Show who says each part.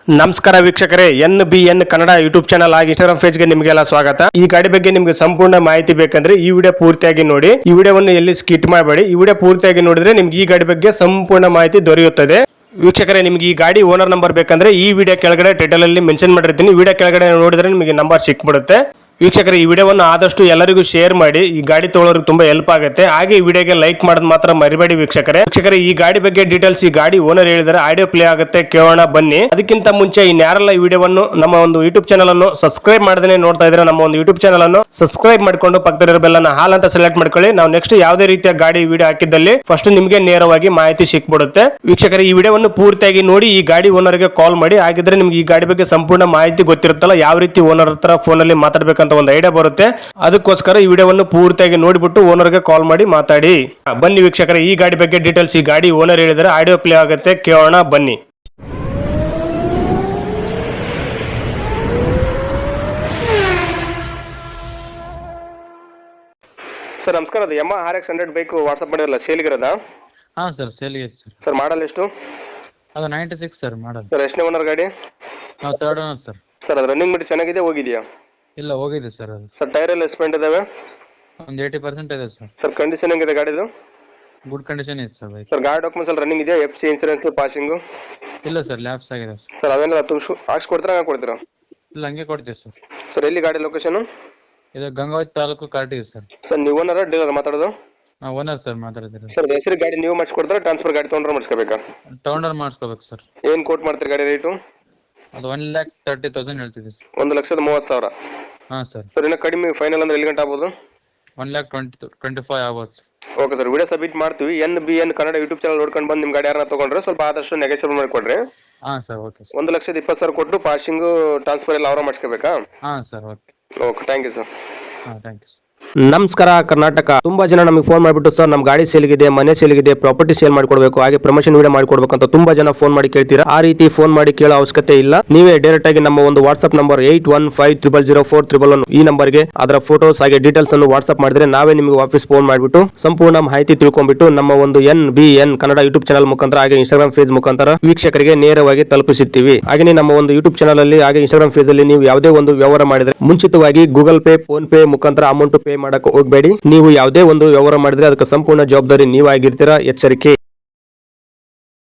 Speaker 1: ನಮಸ್ಕಾರ ವೀಕ್ಷಕರೇ, NBN Kannada YouTube channel ಆಗಿ ಇನ್ಸ್ಟಾಗ್ರಾಮ್ ಪೇಜ್ ಗೆ ನಿಮಗೆಲ್ಲ ಸ್ವಾಗತ. ಈ ಗಾಡಿ ಬಗ್ಗೆ ನಿಮಗೆ ಸಂಪೂರ್ಣ ಮಾಹಿತಿ ಬೇಕಂದ್ರೆ ಈ ವಿಡಿಯೋ ಪೂರ್ತಿಯಾಗಿ ನೋಡಿ. ಈ ವಿಡಿಯೋವನ್ನು ಎಲ್ಲಿ ಸ್ಕಿಪ್ ಮಾಡಬೇಡಿ. ಈ ವಿಡಿಯೋ ಪೂರ್ತಿಯಾಗಿ ನೋಡಿದ್ರೆ ನಿಮ್ಗೆ ಈ ಗಾಡಿ ಬಗ್ಗೆ ಸಂಪೂರ್ಣ ಮಾಹಿತಿ ದೊರೆಯುತ್ತದೆ. ವೀಕ್ಷಕರೇ, ನಿಮ್ಗೆ ಈ ಗಾಡಿ ಓನರ್ ನಂಬರ್ ಬೇಕಂದ್ರೆ ಈ ವಿಡಿಯೋ ಕೆಳಗಡೆ ಟೈಟಲ್ ಅಲ್ಲಿ ಮೆನ್ಷನ್ ಮಾಡಿರ್ತೀನಿ. ವಿಡಿಯೋ ಕೆಳಗಡೆ ನೋಡಿದ್ರೆ ನಿಮಗೆ ನಂಬರ್ ಸಿಕ್ಬಿಡುತ್ತೆ. ವೀಕ್ಷಕರೇ, ಈ ವಿಡಿಯೋವನ್ನು ಆದಷ್ಟು ಎಲ್ಲರಿಗೂ ಶೇರ್ ಮಾಡಿ. ಈ ಗಾಡಿ ತಗೊಳ್ಳೋರಿಗೆ ತುಂಬಾ ಹೆಲ್ಪ್ ಆಗುತ್ತೆ. ಹಾಗೆ ಈ ವಿಡಿಯೋಗೆ ಲೈಕ್ ಮಾಡೋದು ಮಾತ್ರ ಮರಿಬೇಡಿ ವೀಕ್ಷಕರೇ. ಈ ಗಾಡಿ ಬಗ್ಗೆ ಡೀಟೇಲ್ಸ್ ಈ ಗಾಡಿ ಓನರ್ ಹೇಳಿದರೆ ಆಡಿಯೋ ಪ್ಲೇ ಆಗುತ್ತೆ, ಕೇಳೋಣ ಬನ್ನಿ. ಅದಕ್ಕಿಂತ ಮುಂಚೆ ಇನ್ಯಾರೆಲ್ಲ ಈ ವಿಡಿಯೋವನ್ನು ನಮ್ಮ ಒಂದು ಯೂಟ್ಯೂಬ್ ಚಾನಲ್ ಅನ್ನು ಸಬ್ಸ್ಕ್ರೈಬ್ ಮಾಡದೇ ನೋಡ್ತಾ ಇದ್ರೆ ನಮ್ಮ ಒಂದು ಯೂಟ್ಯೂಬ್ ಚಾನಲ್ ಅನ್ನು ಸಬ್ಸ್ಕ್ರೈಬ್ ಮಾಡ್ಕೊಂಡು ಪಕ್ಕದಲ್ಲಿರೋ ಬೆಲ್ ಅನ್ನು ಹಾಲ್ ಅಂತ ಸೆಲೆಕ್ಟ್ ಮಾಡ್ಕೊಳ್ಳಿ. ನಾವು ನೆಕ್ಸ್ಟ್ ಯಾವುದೇ ರೀತಿಯ ಗಾಡಿ ವಿಡಿಯೋ ಹಾಕಿದ್ದಲ್ಲಿ ಫಸ್ಟ್ ನಿಮಗೆ ನೇರವಾಗಿ ಮಾಹಿತಿ ಸಿಕ್ಬಿಡುತ್ತೆ. ವೀಕ್ಷಕರೇ, ಈ ವಿಡಿಯೋವನ್ನು ಪೂರ್ತಿಯಾಗಿ ನೋಡಿ. ಈ ಗಾಡಿ ಓನರ್ಗೆ ಕಾಲ್ ಮಾಡಿ. ಹಾಗಿದ್ರೆ ನಿಮ್ಗೆ ಈ ಗಾಡಿ ಬಗ್ಗೆ ಸಂಪೂರ್ಣ ಮಾಹಿತಿ ಗೊತ್ತಿರುತ್ತಲ್ಲ, ಯಾವ ರೀತಿ ಓನರ್ ಹತ್ರ ಫೋನ್ ಅಲ್ಲಿ ಮಾತಾಡ್ಬೇಕಂತ ಒಂದು ಐಡಿಯಾ ಬರುತ್ತೆ. ಅದಕ್ಕೋಸ್ಕರ ಈ ವಿಡಿಯೋವನ್ನು ಪೂರ್ತಿಯಾಗಿ ನೋಡಿಬಿಟ್ಟು ಓನರ್ಗೆ ಕಾಲ್ ಮಾಡಿ ಮಾತಾಡಿ. ಬನ್ನಿ ವೀಕ್ಷಕರೇ, ಈ ಗಾಡಿ ಬಗ್ಗೆ ಡೀಟೇಲ್ಸ್ ಈ ಗಾಡಿ ಓನರ್ ಹೇಳಿದರೆ ಆಡಿಯೋ ಪ್ಲೇ ಆಗುತ್ತೆ, ಕೇಳೋಣ ಬನ್ನಿ. ಸರ್ ನಮಸ್ಕಾರ, ಅದು Yamaha RX 100 ಬೈಕ್ ವಾಟ್ಸ್ಆಪ್ ಮಾಡಿರಲ್ಲ, ಸೇಲ್ಗಿರೋದಾ?
Speaker 2: ಹಾ ಸರ್, ಸೇಲ್ಗೆ ಸರ್.
Speaker 1: ಸರ್ ಮಾಡಲ್ ಎಷ್ಟು?
Speaker 2: ಅದು 96 ಸರ್ ಮಾಡಲ್.
Speaker 1: ಸರ್ ಎಷ್ಟನೇ ಓನರ್ ಗಾಡಿ?
Speaker 2: ನಾವು ಥರ್ಡ್ ಓನರ್ ಸರ್.
Speaker 1: ಸರ್ ಅದು ರನ್ನಿಂಗ್ ಬಿಟ್ಟು ಚೆನ್ನಾಗಿದೆ, ಹೋಗಿದೆಯಾ?
Speaker 2: ಇಲ್ಲ, ಹೋಗಿದೆ ಸರ್. ಅದು
Speaker 1: ಸರ್ ಟೈರ್ ಎಲ್ಲ ಎಸ್ಪೆಂಟ್ ಇದಾವೆ?
Speaker 2: ಒಂದು 80% ಇದೆ ಸರ್.
Speaker 1: ಸರ್ ಕಂಡೀಷನ್ ಹೆಂಗಿದೆ ಗಾಡಿದು?
Speaker 2: ಗುಡ್ ಕಂಡೀಷನ್ ಇದೆ ಸರ್ ಬೈಕ್.
Speaker 1: ಸರ್ ಗಾಡಿ ಡಾಕ್ಯುಮೆಂಟ್ಸ್ ಎಲ್ಲ ರನ್ನಿಂಗ್ ಇದೆಯಾ? FC insurance passing?
Speaker 2: ಇಲ್ಲ ಸರ್, ಲ್ಯಾಬ್ಸ್ ಆಗಿದೆ ಸರ್.
Speaker 1: ಸರ್ ಅವೆಲ್ಲ ಹಾಕ್ಸ್ಕೊಡ್ತೀರಾ, ಹಂಗೆ ಕೊಡ್ತೀರಾ?
Speaker 2: ಇಲ್ಲ, ಹಂಗೆ ಕೊಡ್ತೀವಿ ಸರ್.
Speaker 1: ಸರ್ ಎಲ್ಲಿ ಗಾಡಿ ಲೊಕೇಶನ್?
Speaker 2: ಇದು ಗಂಗಾವತಿ ತಾಲೂಕು ಕಾರ್ಟಿಗೆ ಸರ್.
Speaker 1: ಸರ್ ನೀವು ಓನರ್ ಡೀಲರ್ ಮಾತಾಡೋದು?
Speaker 2: ನಾವು ಓನರ್ ಸರ್ ಮಾತಾಡ್ತೀರಿ.
Speaker 1: ಸರ್ ಹೆಸರು ಗಾಡಿ ನೀವು ಮಾಡಿಸ್ಕೊಡ್ತಾರೆ, ಟ್ರಾನ್ಸ್ಫರ್ ಗಾಡಿ ತೊಗೊಂಡ್ರೆ ಮಾಡಿಸ್ಕೋಬೇಕಾ?
Speaker 2: ತಗೊಂಡ್ರೆ ಮಾಡಿಸ್ಕೋಬೇಕು ಸರ್.
Speaker 1: ಏನು ಕೋಟ್ ಮಾಡ್ತೀರಿ ಗಾಡಿ ರೇಟು?
Speaker 2: ಅದು 1,30,000 ಹೇಳ್ತಿದ್ದೀವಿ ಸರ್.
Speaker 1: 1,30,000.
Speaker 2: ಹಾಂ ಸರ್.
Speaker 1: ಸರ್ ಇನ್ನೂ ಕಡಿಮೆ ಫೈನಲ್ ಅಂದ್ರೆ ಎಲ್ಲಿ ಗಂಟೆ ಆಗ್ಬೋದು?
Speaker 2: 1,25,000 ಆಗ್ಬೋದು.
Speaker 1: ಓಕೆ ಸರ್, ವಿಡಿಯೋ ಸಬ್ಮಿಟ್ ಮಾಡ್ತೀವಿ. NBN ಕನ್ನಡ ಯೂಟ್ಯೂಬ್ ಚಾನಲ್ ನೋಡ್ಕೊಂಡು ಬಂದು ನಿಮ್ಮ ಗಾಡಿ ಯಾರನ್ನ ತೊಗೊಂಡ್ರೆ ಸ್ವಲ್ಪ ಆದಷ್ಟು ನೆಗೆಟಿವ್ ಮಾಡಿಕೊಡ್ರಿ.
Speaker 2: ಹಾಂ ಸರ್, ಓಕೆ ಸರ್.
Speaker 1: 1,20,000 ಕೊಟ್ಟು ಪಾಸಿಂಗು ಟ್ರಾನ್ಸ್ಫರ್ ಎಲ್ಲ ಅವರ ಮಾಡಿಸ್ಕೋಬೇಕಾ?
Speaker 2: ಹಾಂ sir, okay.
Speaker 1: Okay, thank you sir.
Speaker 2: ಹಾಂ, ಥ್ಯಾಂಕ್ ಯು.
Speaker 1: ನಮಸ್ಕಾರ ಕರ್ನಾಟಕ. ತುಂಬಾ ಜನ ನಮಗೆ ಫೋನ್ ಮಾಡಿಬಿಟ್ಟು ಸರ್ ನಮ್ಮ ಗಾಡಿ ಸೇಲ್ಗಿದೆ, ಮನೆ ಸೇಲ್ಗಿದೆ, ಪ್ರಾಪರ್ಟಿ ಸೇಲ್ ಮಾಡ್ಕೊಡ್ಬೇಕು, ಹಾಗೆ ಪ್ರಮೋಷನ್ ವಿಡಿಯೋ ಮಾಡ್ಕೊಡ್ಬೇಕು ಅಂತ ತುಂಬಾ ಜನ ಫೋನ್ ಮಾಡಿ ಕೇಳ್ತೀರಾ. ಆ ರೀತಿ ಫೋನ್ ಮಾಡಿ ಕೇಳೋ ಅವಶ್ಯಕತೆ ಇಲ್ಲ. ನೀವೇ ಡೈರೆಕ್ಟ್ ಆಗಿ ನಮ್ಮ ಒಂದು ವಾಟ್ಸ್ಆಪ್ ನಂಬರ್ 81500411 ಈ ನಂಬರ್ಗೆ ಅದರ ಫೋಟೋಸ್ ಹಾಗೆ ಡೀಟೇಲ್ಸ್ ಅನ್ನು ವಾಟ್ಸ್ಆಪ್ ಮಾಡಿದ್ರೆ ನಾವೇ ನಿಮಗೆ ವಾಪಸ್ ಫೋನ್ ಮಾಡಿಬಿಟ್ಟು ಸಂಪೂರ್ಣ ಮಾಹಿತಿ ತಿಳ್ಕೊಂಡ್ಬಿಟ್ಟು ನಮ್ಮ ಒಂದು NBN ಕನ್ನಡ ಯೂಟ್ಯೂಬ್ ಚಾನಲ್ ಮುಖಾಂತರ ಹಾಗೆ ಇನ್ಸ್ಟಾಗ್ರಾಮ್ ಪೇಜ್ ಮುಖಾಂತರ ವೀಕ್ಷಕರಿಗೆ ನೇರವಾಗಿ ತಲುಪಿಸುತ್ತೀವಿ. ಹಾಗೆ ನಮ್ಮ ಒಂದು ಯೂಟ್ಯೂಬ್ ಚಾನಲ್ ಅಲ್ಲಿ ಹಾಗೆ ಇನ್ಸ್ಟಾಗ್ರಾಮ್ ಪೇಜ್ ಅಲ್ಲಿ ನೀವು ಯಾವುದೇ ಒಂದು ವ್ಯವಹಾರ ಮಾಡಿದ್ರೆ ಮುಂಚಿತವಾಗಿ ಗೂಗಲ್ ಪೇ, ಫೋನ್ ಪೇ ಮುಖಾಂತರ ಅಮೌಂಟ್ ಪೇ ಮಾಡಕ್ಕೆ ಹೋಗಬೇಡಿ. ನೀವು ಯಾವುದೇ ಒಂದು ವ್ಯವಹಾರ ಮಾಡಿದ್ರೆ ಅದಕ್ಕೆ ಸಂಪೂರ್ಣ ಜವಾಬ್ದಾರಿ ನೀವಾಗಿರ್ತೀರಾ, ಎಚ್ಚರಿಕೆ.